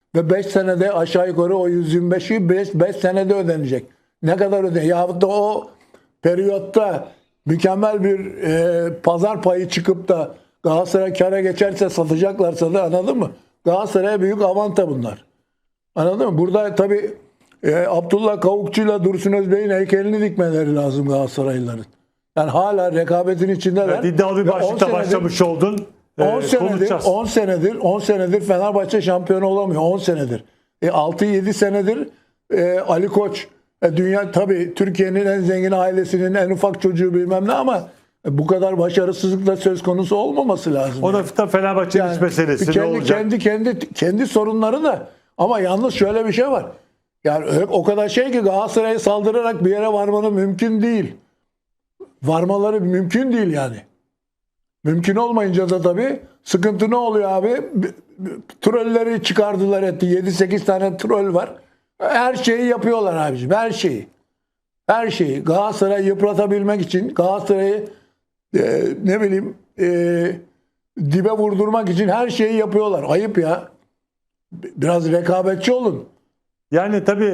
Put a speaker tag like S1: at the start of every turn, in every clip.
S1: ve 5 senede aşağı yukarı o 125'i 5 senede ödenecek. Ne kadar ödenecek? Yahut da o periyotta mükemmel bir pazar payı çıkıp da Galatasaray kâra geçerse satacaklarsa da, anladın mı? Galatasaray'a büyük avanta bunlar. Anladın mı? Burada tabii Abdullah Kavukçu'yla Dursun Özbey'in heykelini dikmeleri lazım Galatasaraylıların. Yani hala rekabetin içindeler.
S2: Evet, iddialı bir başlıkta başlamış oldun.
S1: 10 senedir Fenerbahçe şampiyon olamıyor. 10 senedir. 6-7 senedir Ali Koç dünya, tabii Türkiye'nin en zengin ailesinin en ufak çocuğu bilmem ne, ama bu kadar başarısızlık da söz konusu olmaması lazım.
S2: O da Fenerbahçe'nin
S1: yani,
S2: iç meselesi. Ne olacak?
S1: Kendi sorunları da, ama yalnız şöyle bir şey var. Yani o kadar şey ki Galatasaray'a saldırarak bir yere varmanın mümkün değil. Varmaları mümkün değil yani. Mümkün olmayınca da tabii sıkıntı ne oluyor abi? Trolleri çıkardılar etti. 7-8 tane troll var. Her şeyi yapıyorlar abiciğim. Her şeyi. Her şeyi. Galatasaray'ı yıpratabilmek için, Galatasaray'ı dibe vurdurmak için her şeyi yapıyorlar. Ayıp ya. Biraz rekabetçi olun.
S2: Yani tabii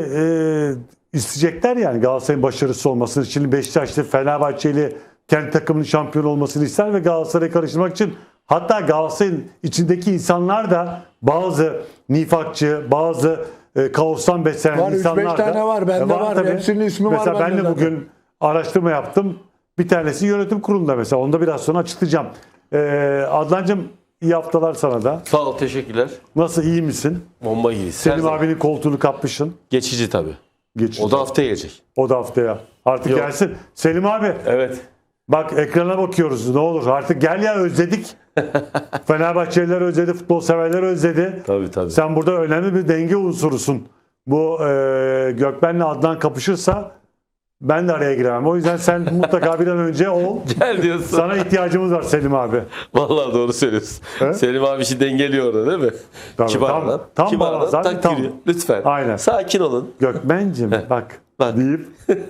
S2: isteyecekler yani Galatasaray'ın başarısı olmasını. Şimdi Beşiktaşlı, Fenerbahçeli kendi takımının şampiyon olmasını ister ve Galatasaray'ı karıştırmak için, hatta Galatasaray'ın içindeki insanlar da bazı nifakçı, bazı kaostan beslenen
S1: var,
S2: insanlar da.
S1: 3-5 tane var. Bende var.
S2: Tabii.
S1: Hepsinin ismi var.
S2: Mesela ben de
S1: zaten.
S2: bugün araştırma yaptım. Bir tanesi yönetim kurulunda mesela. Onu da biraz sonra açıklayacağım. Adnancığım, iyi haftalar sana da.
S3: Sağ ol, teşekkürler.
S2: Nasıl, iyi misin?
S3: Bomba gibi.
S2: Selim abinin koltuğunu kapmışsın.
S3: Geçici tabii.
S2: Geçici.
S3: O da haftaya gelecek.
S2: O da haftaya. Artık
S3: Yok.
S2: gelsin. Selim abi.
S3: Evet.
S2: Bak, ekrana bakıyoruz, ne olur artık gel ya, özledik. Fenerbahçeliler özledi, futbol severler özledi.
S3: Tabii.
S2: Sen burada önemli bir denge unsurusun. Bu Gökmen'le Adnan kapışırsa ben de araya giremem. O yüzden sen mutlaka bir an önce ol.
S3: Gel diyorsun.
S2: Sana ihtiyacımız var Selim abi.
S3: Vallahi doğru söylüyorsun.
S2: He?
S3: Selim abi işi dengeliyor orada, değil mi?
S2: Tabii,
S3: Kibar
S2: tam-
S3: adam.
S2: tam
S3: Kibar
S2: balans
S3: adam,
S2: abi,
S3: tak
S2: tam.
S3: giriyor. Lütfen.
S2: Aynen.
S3: Sakin olun.
S2: Gökmen'cim bak
S3: Bak.
S2: deyip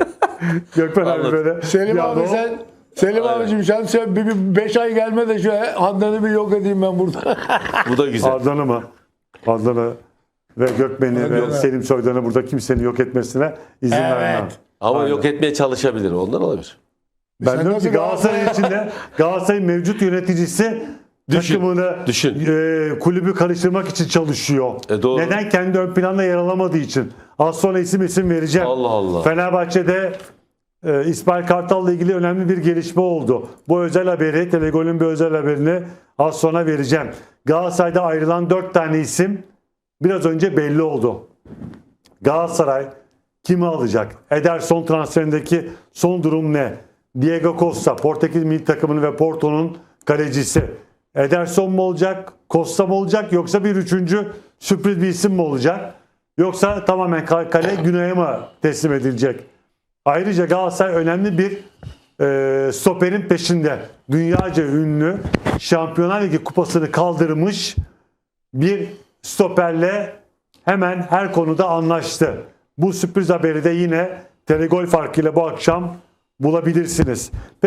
S2: Gökmen abi
S3: Anladım.
S2: böyle.
S1: Selim
S2: ya
S1: abi
S2: ne
S1: sen Selim
S3: Aynen.
S1: abicim sen bir 5 ay gelme de şu Adnan'ı bir yok edeyim ben burada.
S3: Bu da güzel.
S2: Adnan'ı mı? Adnan'ı ve Gökmen'i ve
S1: Evet.
S2: Selim Soydan'ı burada kimsenin yok etmesine izin vermem.
S3: Ama
S2: Aynen.
S3: yok etmeye çalışabilir. Ondan olabilir.
S2: Ben
S1: Sen
S2: diyorum ki
S1: nasıl
S2: Galatasaray'ın içinde Galatasaray'ın mevcut yöneticisi takımını,
S3: düşün.
S2: Kulübü karıştırmak için çalışıyor.
S3: Doğru.
S2: Neden? Kendi ön planda yer alamadığı için. Az sonra isim vereceğim.
S3: Allah Allah.
S2: Fenerbahçe'de İsmail Kartal'la ilgili önemli bir gelişme oldu. Bu özel haberi, Telegol'ün bir özel haberini az sonra vereceğim. Galatasaray'da ayrılan 4 tane isim biraz önce belli oldu. Galatasaray kimi alacak? Ederson transferindeki son durum ne? Diego Costa, Portekiz milli takımının ve Porto'nun kalecisi. Ederson mu olacak? Costa mı olacak? Yoksa bir üçüncü sürpriz bir isim mi olacak? Yoksa tamamen kale Güney'e mi teslim edilecek? Ayrıca Galatasaray önemli bir stoperin peşinde. Dünyaca ünlü Şampiyonlar Ligi kupasını kaldırmış bir stoperle hemen her konuda anlaştı. Bu sürpriz haberi de yine Telegol farkıyla bu akşam bulabilirsiniz.